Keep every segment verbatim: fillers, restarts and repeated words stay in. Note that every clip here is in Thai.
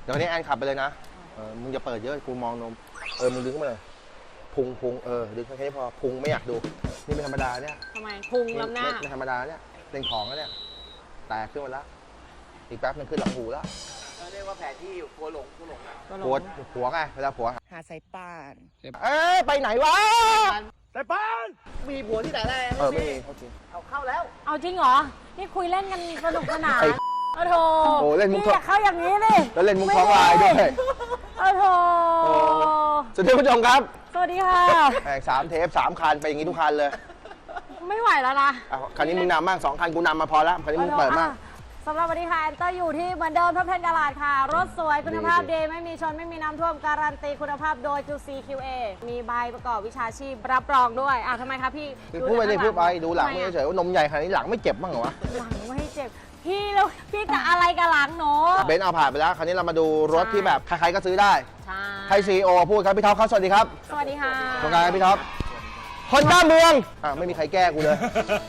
ดี๋ยวนี้แอนขับไปเลยนะเออมึงจะเปิดเยอะกูมองนมเออมึงดึงขึ้นมาเลยพุงพุงเออดึงแค่นี้พอพุงไม่อยากดูนี่เป็นธรรมดาเนี่ยทำไมพุงลำหน้าเป็นธรรมดาเนี่ยเป็นของแล้วเนี่ยแตกขึ้นมาแล้วอีกแป๊บนึงขึ้นหลังหูแล้วเรียกว่าแผนที่กลัวหลงกลัวหลงนะปวดผัวไงเวลาผัวหาสายป่านเอ้ยไปไหนวะสายป่านมีผัวที่ไหนได้เออไม่มีเขาจริงเอาเข้าแล้วเอาจริงเหรอนี่คุยเล่นกันสนุกสนานโอ้โหโอ้เล่นมุกอยากเข้าอย่างนี้ดิแล้วเล่นมุกท้องลายด้วยโอ้โหสวัสดีผู้ชมครับสวัสดีค่ะแข่งสามเทปสามคันไปอย่างนี้ทุกคันเลยไม่ไหวแล้วนะคันนี้มึงนำมากสองคันกูนำมาพอแล้วคันนี้มึงเปิดมากสำหรับวันนี้ค่ะแอนเตอร์อยู่ที่เหมือนเดิมท็อปเทนกาลาดค่ะรถสวยคุณภาพดีไม่มีชนไม่มีน้ำท่วมการันตีคุณภาพโดย จู ซี คิว เอ มีใบประกอบวิชาชีพรับรองด้วยอ่ะทำไมคะพี่พูดไปเลยพูดไปดูหลังไม่เฉยว่านมใหญ่ขนาดนี้หลังไม่เจ็บบ้างเหรอวะหลังไม่เจ็บพี่แล้วพี่จะอะไรกับหลังหนูเบนซ์เอาผ่านไปแล้วคราวนี้เรามาดูรถที่แบบใครๆก็ซื้อได้ใช่ให้ซีโอพูดครับพี่ท็อปครับสวัสดีครับสวัสดีค่ะตรงกลางพี่ท็อปฮอนด้าเมืองอ่ะไม่มีใครแก้กูเลย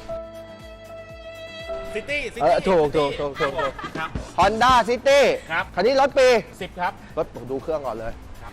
ซิตี้ซิตี้เออถูกถูกถูกถูกฮอนด้าซิตี้ครับคันนี้รถปีสิบครับรถดูเครื่องก่อนเลยครับ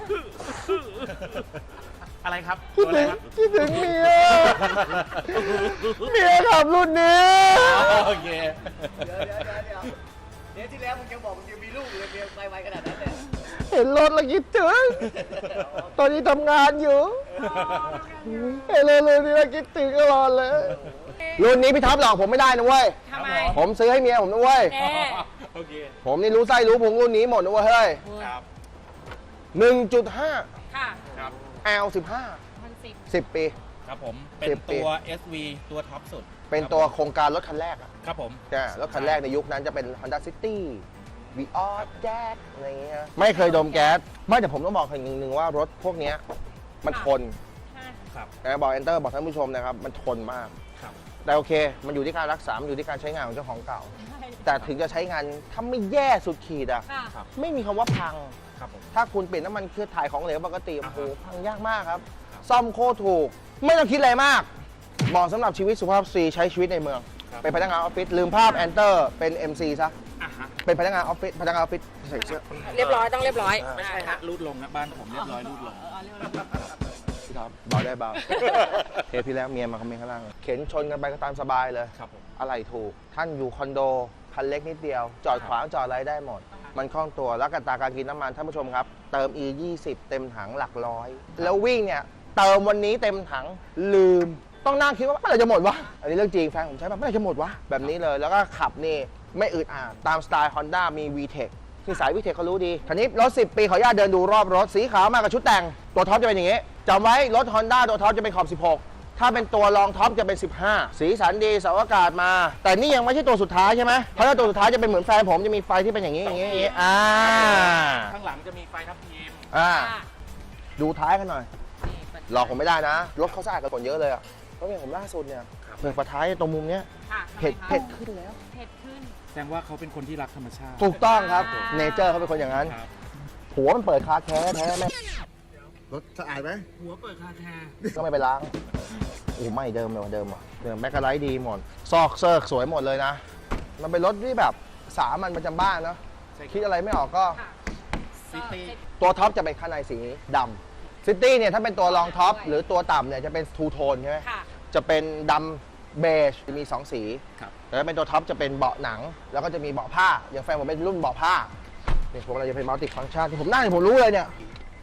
อะไรครับคิดถึงคิดถึงเมียเมียขับรุ่นนี้โอเคเดี๋ยวเดี๋ยวเดี๋ยวเดี๋ยวที่แล้วมึงยังบอกมึงยังมีลูกเลยเมียไปไวขนาดนั้นเลยเห็นรถแล้วคิดถึงตอนนี้ทำงานอยู่เห็นเลยเลยนี่เราคิดถึงตลอดเลยรุ่นนี้พี่ท็อปหลอกผมไม่ได้นะเว้ยทำไมผมซื้อให้เมียผมนะเว้ยโอเคผมนี่รู้ไส้รู้พุงรุ่นนี้หมดนะเว้ยเฮ้ยครับหนึ่งจุดห้าค่ะครับแอล สิบห้า สิบปีครับผมเป็นตัว เอส วี ตัวท็อปสุดเป็นตัวโครงการรถคันแรกอ่ะครับผมใช่รถคันแรกในยุคนั้นจะเป็น Honda City วีออสแจ๊สอะไรเงี้ยไม่เคยดมแก๊สไม่แต่ผมต้องบอกอย่างหนึ่งว่ารถพวกนี้มันทนครับนะบอก Enter บอกท่านผู้ชมนะครับมันทนมากแต่โอเคมันอยู่ที่การรักษามันอยู่ที่การใช้งานของเจ้าของเก่าแต่ถึงจะใช้งานถ้าไม่แย่สุดขีดอ่ะไม่มีคำว่าพังถ้าคุณเปลี่ยนน้ำมันเครื่องถ่ายของเหลวปกติโอ้โหพังยากมากครับซ่อมโคตรถูกไม่ต้องคิดอะไรมากเหมาะสำหรับชีวิตสุภาพสตรีใช้ชีวิตในเมืองเป็นพนักงานออฟฟิศลืมภาพ Enter เป็น เอ็ม ซี ซะเป็นพนักงานออฟฟิศพนักงานออฟฟิศใส่เสื้อเรียบร้อยต้องเรียบร้อยไม่ใช่ฮะรูดลงนะบ้านผมเรียบร้อยรูดลงพี่ท็อปเบาได้เบาเทปที่แล้วเมียมาคอมเมนต์ข้างล่างเข็นชนกันไปก็ตามสบายเลยครับผมอะไรถูกท่านอยู่คอนโดคันเล็กนิดเดียวจอดขวางจอดอะไรได้หมดมันคล่องตัวแล้วกันตาการกินน้ำมันท่านผู้ชมครับเติม อี ยี่สิบ เต็มถังหลักร้อยแล้ววิ่งเนี่ยเติมวันนี้เต็มถังลืมต้องนั่งคิดว่าเมื่อไหร่จะหมดวะอันนี้เรื่องจริงแฟนผมใช้แบบเมื่อไหร่จะหมดวะแบบนี้เลยแล้วก็ขับนี่ไม่อึดอัดตามสไตล์ Honda มี วี เทค ที่สาย วี เทค เขารู้ดีคันนี้รถสิบปีขออนุญาตเดินดูรอบรถสีขาวมากับชุดแต่งตัวท็อปจะเป็นอย่างงี้จำไว้รถ Honda ตัวท็อปจะเป็นขอบสิบหกถ้าเป็นตัวรองท็อปจะเป็นสิบห้าสีสันดีเสาอากาศมาแต่นี่ยังไม่ใช่ตัวสุดท้ายใช่ไหมเพราะถ้าตัวสุดท้ายจะเป็นเหมือนแฟนผมจะมีไฟที่เป็นอย่างนี้อย่างนี้อ่าข้างหลังจะมีไฟทับทิมอ่าดูท้ายกันหน่อยหลอกผมไม่ได้นะรถเขาสะอาดกันกว่าเยอะเลยอ่ะเพราะอย่างผมล่าสุดเนี่ยเปิดฝาท้ายตรงมุมเนี้ยเผ็ดเผ็ดขึ้นแล้วเผ็ดขึ้นแสดงว่าเขาเป็นคนที่รักธรรมชาติถูกต้องครับเนเจอร์เขาเป็นคนอย่างนั้นหัวมันเปิดคาแท้แท้แม่รถสะอาดไหมหัวเปิดคาแท้ก็ไม่ไปล้างโอ้ไม่เดิมเลยเดิมอ่ะเดิมแมกกาไลท์ดีหมดซอกเซิร์กสวยหมดเลยนะมันเป็นรถที่แบบสามัญประจำบ้านเนาะคิดอะไรไม่ออกก็ซิตี้ตัวท็อปจะเป็นข้างในสีดำซิตี้เนี่ยถ้าเป็นตัวรองท็อปหรือตัวต่ำเนี่ยจะเป็นทูโทนใช่ไหมจะเป็นดำเบจมีสองสีแต่ถ้าเป็นตัวท็อปจะเป็นเบาะหนังแล้วก็จะมีเบาะผ้าอย่างแฟนผมเป็นรุ่นเบาะผ้าเนี่ยผมเราจะเป็นมัลติฟังก์ชันที่ผมนั่งผมรู้เลยเนี่ย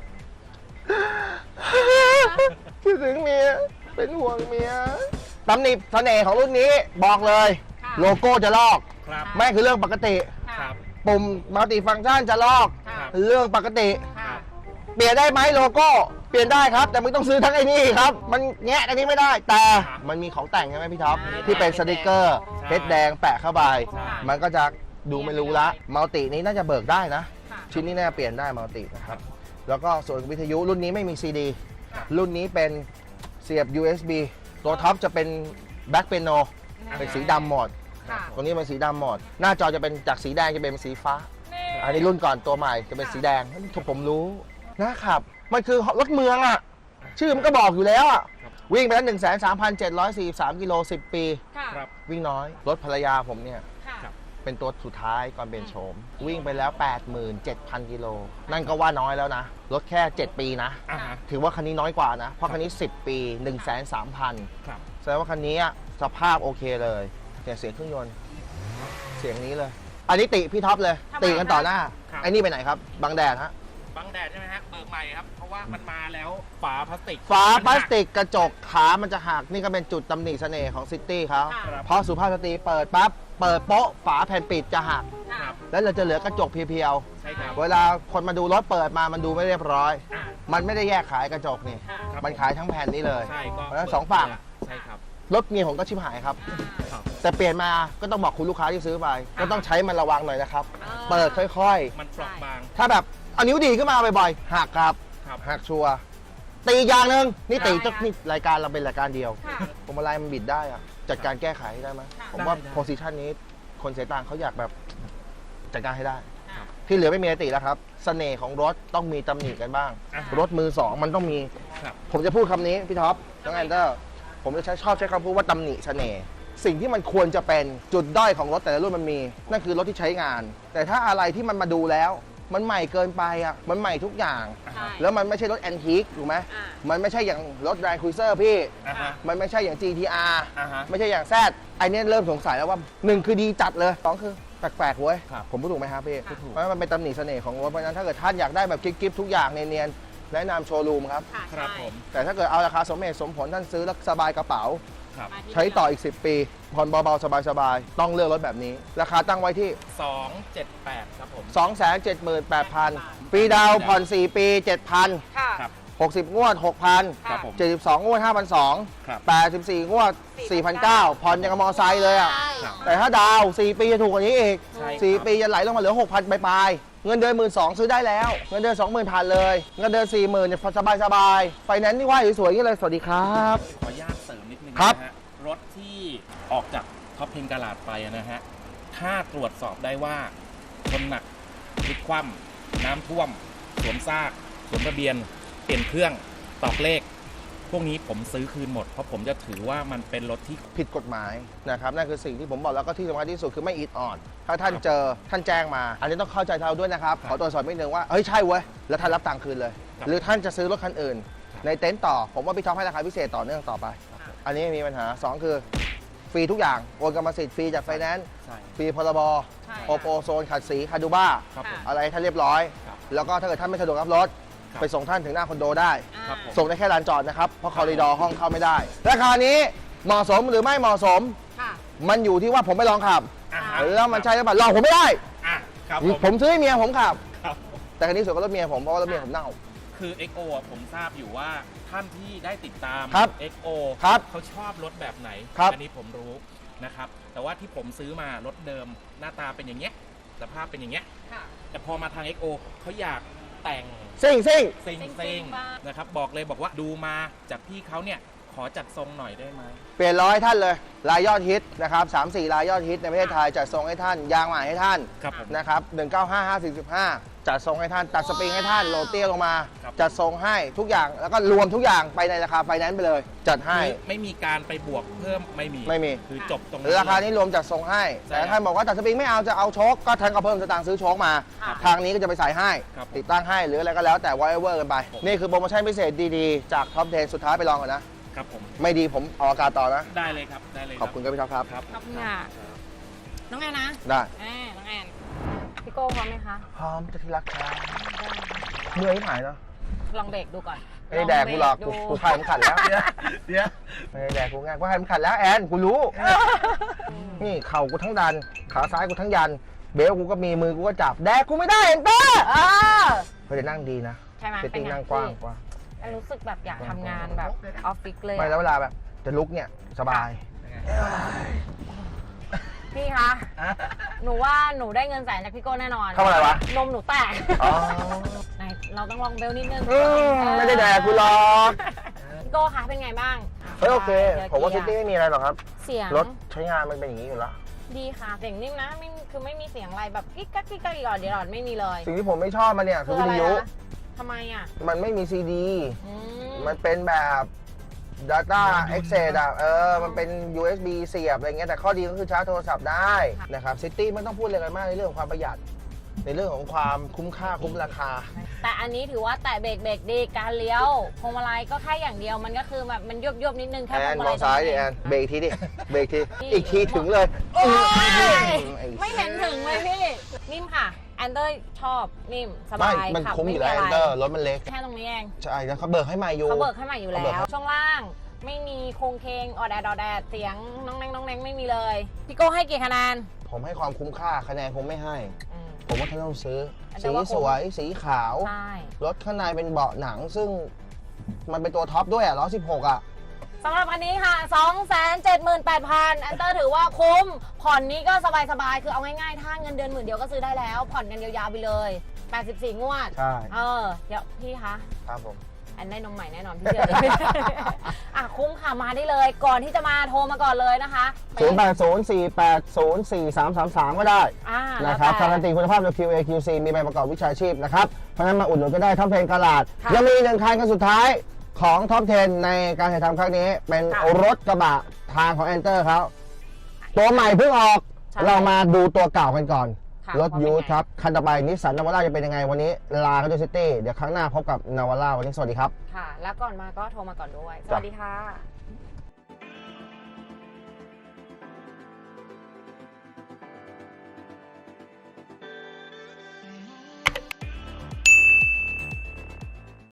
คิดถึงเมียเป็นห่วงเมียตำหนิเสน่ห์ของรุ่นนี้บอกเลยโลโก้จะลอกไม่คือเรื่องปกติปุ่มมัลติฟังก์ชันจะลอกเรื่องปกติเปลี่ยนได้ไหมโลโก้เปลี่ยนได้ครับแต่มึงต้องซื้อทั้งไอ้นี่ครับมันแงะอันนี้ไม่ได้แต่มันมีของแต่งใช่ไหมพี่ท็อปที่เป็นสติกเกอร์เพชรแดงแปะเข้าไปมันก็จะดูไม่รู้ละมัลตินี้น่าจะเบิกได้นะชิ้นนี้น่าเปลี่ยนได้มัลตินะครับแล้วก็ส่วนวิทยุรุ่นนี้ไม่มี ซี ดี รุ่นนี้เป็นเสียบ ยู เอส บี ตัวท็อปจะเป็นแบ็คเปียโนเป็นสีดำหมดตรงนี้เป็นสีดำหมดหน้าจอจะเป็นจากสีแดงจะเป็นสีฟ้าอันนี้รุ่นก่อนตัวใหม่จะเป็นสีแดงทุกผมรู้นะครับมันคือรถเมืองอ่ะชื่อมันก็บอกอยู่แล้วอ่ะวิ่งไปแล้วหนึ่งแสนสามพันเจ็ดร้อยสี่สิบสามกิโลสิบปีวิ่งน้อยรถภรรยาผมเนี่ยเป็นตัวสุดท้ายก่อนเปลี่ยนโฉมวิ่งไปแล้ว แปดหมื่นเจ็ดพัน กิโลนั่นก็ว่าน้อยแล้วนะรถแค่ เจ็ด ปีนะอ่าฮะถือว่าคันนี้น้อยกว่านะเพราะคันนี้ สิบ ปี หนึ่งแสนสามพันครับแสดงว่าคันนี้สภาพโอเคเลยเนี่ยเสียงเครื่องยนต์เสียงนี้เลย อันนี้ติพี่ท็อปเลยทำไมติกันต่อหน้าครับไอ้นี่ไปไหนครับบังแดดฮะบังแดดใช่ไหมฮะเบิกใหม่ครับ เพราะว่ามันมาแล้วฝาพลาสติกฝาพลาสติกกระจกขามันจะหักนี่ก็เป็นจุดตำหนิเสน่ห์ของซิตี้เขาค่ะครับเพราะสุภาพสตรีเปิดปั๊บเปิดโป๊ะฝาแผ่นปิดจะหักค่ะครับแล้วเราจะเหลือกระจกเพียวใช่ครับๆเวลาคนมาดูรถเปิดมามันดูไม่เรียบร้อยอ่ามันไม่ได้แยกขายกระจกนี่ค่ะครับมันขายทั้งแผ่นนี้เลยใช่ก็เพราะฉะนั้นสองฝั่งใช่ครับรถเมียผมก็ชิบหายครับครับแต่เปลี่ยนมาก็ต้องบอกคุณลูกค้าที่ซื้อไป ก็ต้องใช้มันระวังหน่อยนะครับอ่าเปิดค่อยมันเปราะบางๆ ถ้าแบบเอานิ้วดีขึ้นมาบ่อยๆหักครับครับหักชัวร์ตีอีกอย่างหนึ่งนี่ตีได้ต้องค่ะนี่รายการเราเป็นรายการเดียวค่ะผมอะไรมันบิดได้อะจัดการแก้ไขได้ไหมค่ะผมว่าได้ได้โพสิชันนี้คนเสียตังค์เขาอยากแบบจัดการให้ได้ค่ะที่เหลือไม่มีอะไรติแล้วครับเสน่ห์ของรถต้องมีตำหนิกันบ้างอ่ะรถมือสองมันต้องมีครับผมจะพูดคำนี้พี่ท็อปน้องแอนเดอร์ผมจะใช้ชอบใช้คำพูดว่าตำหนิเสน่ห์สิ่งที่มันควรจะเป็นจุดด้อยของรถแต่ละรุ่นมันมี นั่นคือรถที่ใช้งาน แต่ถ้าอะไรที่มันมาดูแล้ว มันใหม่เกินไปอ่ะมันใหม่ทุกอย่างใช่แล้วมันไม่ใช่รถแอนทิคถูกไหมอ่ามันไม่ใช่อย่างรถแรนด์ครูเซอร์พี่อ่าฮะมันไม่ใช่อย่าง จี ที อาร์อ่าฮะไม่ใช่อย่างแซดไอเนี้ยเริ่มสงสัยแล้วว่าหนึ่งคือดีจัดเลยสองคือแปลกๆเว้ยครับผมพูดถูกไหมครับพี่พูดถูกเพราะฉะนั้นมันเป็นตำหนิเสน่ห์ของรถเพราะฉะนั้นถ้าเกิดท่านอยากได้แบบกิ๊บๆทุกอย่างเนียนๆแนะนำโชว์รูมครับค่ะครับใช่ผมแต่ถ้าเกิดเอาราคาสมเหตุสมผลท่านซื้อแล้วสบายกระเป๋าครับมาที่ใช้ต่ออีก สิบ ปีผ่อนเบาๆสบายๆต้องเลือกรถแบบนี้ ราคาตั้งไว้ที่สองเจ็ดแปดครับผมสองแสนเจ็ดหมื่นแปดพัน ปีดาวน์ผ่อน สี่ ปี เจ็ดพันค่ะครับหกสิบ งวด หกพันครับผมเจ็ดสิบสอง งวด ห้าพันสองร้อยครับแปดสิบสี่ งวด สี่พันเก้าร้อย ผ่อนยังกับมอไซค์เลยอ่ะใช่ครับแต่ถ้าดาวน์สี่ ปีจะถูกกว่านี้อีกใช่ครับสี่ ปีจะไหลลงมาเหลือ หกพัน ปลายๆเงินเดือน หนึ่งหมื่นสองพัน ซื้อได้แล้ว เงินเดือน สองหมื่น ผ่านเลย เงินเดือน สี่หมื่น เนี่ยสบายๆไฟแนนซ์นี่ว่าสวยๆอย่างนี้เลย สวัสดีครับขออนุญาตเสริมนิดนึงครับนะฮะรถที่ออกจากท็อปเพนกาลาดไปอะนะฮะถ้าตรวจสอบได้ว่าชนหนักพลิกคว่ำน้ำท่วม สวมซาก สวมทะเบียน เปลี่ยนเครื่องตอกเลข พวกนี้ผมซื้อคืนหมด เพราะผมจะถือว่ามันเป็นรถที่ผิดกฎหมายนะครับนั่นคือสิ่งที่ผมบอกแล้วก็ที่สำคัญที่สุดคือไม่อิดออดถ้าท่านเจอท่านแจ้งมา อันนี้ต้องเข้าใจเราด้วยนะครับครับขอตรวจสอบนิดนึงว่าเฮ้ยใช่เว้ยแล้วท่านรับตังค์คืนเลยครับหรือท่านจะซื้อรถคันอื่นครับในเต็นท์ต่อ ผมว่าพี่ท็อปให้ราคาพิเศษต่อเนื่องต่อไปครับผมอันนี้ไม่มีปัญหาสองคือฟรีทุกอย่างโอนกรรมสิทธิ์ฟรีจากไฟแนนซ์ใช่ฟรีพรบใช่โอโปโซนขัดสีคาดูบ้าครับผมอะไรท่านเรียบร้อยครับแล้วก็ถ้าเกิดท่านไม่สะดวกรับรถครับไปส่งท่านถึงหน้าคอนโดได้อ่าครับผมส่งได้แค่ลานจอดนะครับเพราะคอริดอร์ห้องเข้าไม่ได้ ราคานี้เหมาะสมหรือไม่เหมาะสมค่ะมันอยู่ที่ว่าผมไม่ลองขับอ่าฮะแล้วมันใช่หรือเปล่าลองผมไม่ได้อ่ะครับผมผมซื้อให้เมียผมขับครับแต่คันนี้สวยกว่ารถเมียผมเพราะว่ารถเมียผมเน่าคือ เอ็กซ์ โอ อ่ะผมทราบอยู่ว่าท่านที่ได้ติดตามครับเอ็กซ์ โอครับเขาชอบรถแบบไหนครับอันี้ผมรู้นะครับ แต่ว่าที่ผมซื้อมารถเดิมหน้าตาเป็นอย่างเงี้ยสภาพเป็นอย่างเงี้ยค่ะแต่พอมาทาง เอ็กซ์ โอ เขาอยากแต่งซิ่งซิ่งซิงซิ่ซิงงๆบ้างนะครับบอกเลยบอกว่าดูมาจากพี่เขาเนี่ยขอจัดทรงหน่อยได้ไหมเปลี่ยนล้อให้ท่านเลยรายยอดฮิตนะครับสามสี่รายยอดฮิตในประเทศไทยจัดทรงให้ท่านยางใหม่ให้ท่านครับผมนะครับหนึ่งเก้าห้า ห้าสี่ห้าจัดทรงให้ท่านตัดสปริงให้ท่านโรเตียลงมาครับจัดทรงให้ทุกอย่างแล้วก็รวมทุกอย่างไปในราคาไฟแนนซ์ไปเลย จัดให้คือไม่มีการไปบวกเพิ่มไม่มีไม่มีคือจบตรงราคานี้รวมจัดทรงให้ใช่แต่ถ้าท่านบอกว่าตัดสปริงไม่เอาจะเอาโชคก็ท่านก็เพิ่มสตางค์ซื้อโชคมาค่ะทางนี้ก็จะไปใส่ให้ครับผมติดตั้งให้หรืออะไรก็แล้วแต่วอเวอร์กันไปผมนี่คือโปรโมชั่นพิเศษดีๆ จากท็อปเทนสุดท้ายไปลองก่อนนะครับผมไม่ดีผมออกอากาศต่อนะได้เลยครับได้เลยขอบคุณครับพี่ท็อปครับครับขอบคุณค่ะ น้องแอนนะได้แอนน้องแอนพี่โก้พร้อมไหมคะพร้อมจะที่รักครับเมื่อยหายเนาะลองเบรกดูก่อนไม่ได้แดกกูหรอกกูกูพายมันขัดแล้วเดี๋ยวเดี๋ยวไม่ได้แดกกูง่ายกูพายมันขัดแล้วแอนกูรู้ นี่เข่ากูทั้งดัน ขาซ้ายกูทั้งยัน เบลกูก็มีมือกูก็จับแดกกูไม่ได้เอ็นเตอร์เออเฮ้ยแต่นั่งดีนะใช่ไหมเซตติ้งเป็นไงนั่งกว้างพี่กว้างแอนรู้สึกแบบอยากทำงานแบบออฟฟิศเลยไม่แล้วอะเวลาแบบจะลุกเนี่ยสบายพี่คะ หนูว่าหนูได้เงินแสนจากพี่โก้แน่นอนทำอะไรวะนมหนูแตกอ๋อไหนเราต้องลองเบลนิดนึงอืมไม่ได้แดกกูหรอกพี่โก้คะเป็นไงบ้างเฮ้ยโอเคดี๋ยวผมว่าซิเกียร์ตี้ไม่มีอะไรหรอกครับเสียงรถใช้งานมันเป็นอย่างนี้อยู่แล้วดีค่ะเสียงนิ่มนะไม่คือไม่มีเสียงอะไรแบบกิ๊กกักกิ๊กกักอีกหรอเดี๋ยวหลอดไม่มีเลยสิ่งที่ผมไม่ชอบมันเนี่ยคือวิทยุทำไมอ่ะมันไม่มีซีดีอืมมันเป็นแบบ Data Access อ่ะเออมันเป็น ยู เอส บี เสียบอะไรเงี้ยแต่ข้อดีก็คือชาร์จโทรศัพท์ได้นะครับซิตี้ไม่ต้องพูดอะไรกันมากในเรื่องของความประหยัด ในเรื่องของความคุ้มค่าคุ้มราคาแต่อันนี้ถือว่าแตะเบรกเบรกดีการเลี้ยวพวงมาลัยก็แค่อย่างเดียวมันก็คือแบบมันยุบยุบนิดนึงแค่แอพวน งมาลัมอย งซ้ายดิแอนเบรกทีดิเบรกทีอีกทีถึงเลยโอ้ยไอ้ไม่เห็นถึงเลยพี่นิ่มค่ะแอนเตอร์ชอบนิ่มสไม่บายมันขับคุ้มอยู่แล้วไะแอนเตอร์รถมันเล็กแค่ตรงนี้เองใช่แล้วเขาเบิกให้ใหม่อยู่เขาเบิกให้ใหม่อยู่แล้เขาเบิกวให้ช่วงล่างไม่มีโครงเคงออดแดดออดแดดเสียงน้องแนงน้องแนงไม่มีเลยพี่โก้ให้กี่คะแนนผมให้ความคุ้มค่าคะแนนผมไม่ให้อืมผมว่าท่านต้องซื้อแต่สีว่าคุ้มสวยสีขาวใช่รถข้างในเป็นเบาะหนังซึ่งมันเป็นตัวท็อปด้วยอ่ะร้อยสิบหกอ่ะสำหรับอันนี้ค่ะ สองแสนเจ็ดหมื่นแปดพัน แอนเตอร์ถือว่าคุ้ม ผ่อนนี้ก็สบายๆ คือเอาง่ายๆ ถ้าเงินเดือนหมื่นเดียวก็ซื้อได้แล้ว ผ่อนกันยาวๆไปเลย แปดสิบสี่งวดใช่เออ เดี๋ยวพี่คะครับผมแอนได้นมใหม่แน่นอนพี่เชื่อ อ่ะคุ้มค่ะมาได้เลย ก่อนที่จะมาโทรมาก่อนเลยนะคะศูนย์ แปด ศูนย์ สี่ แปด ศูนย์ สี่ สาม สาม สาม ก็ได้อ่าแล้วนะครับแต่การันตีคุณภาพโดย คิว เอ คิว ซี มีใบประกอบวิชาชีพนะครับ เพราะฉะนั้นมาอุดหนุนก็ได้ท็อปเทนกาลาดค่ะยังมีหนึ่งคันกันสุดท้ายของท็อปเทนในการถ่ายทำครั้งนี้ เป็นค่ะรถกระบะทางของแอนเตอร์เขาตัวใหม่เพิ่งออกใช่เรามาดูตัวเก่ากันก่อนค่ะรถว่าเป็นยูทไงครับ คันต่อไปนิสสันนาวาร่าจะเป็นยังไงวันนี้ลากันด้วยซิตี้เดี๋ยวครั้งหน้าพบกับนาวาร่าวันนี้สวัสดีครับค่ะ แล้วก่อนมาก็โทรมาก่อนด้วย สจ้ะวัสดีค่ะ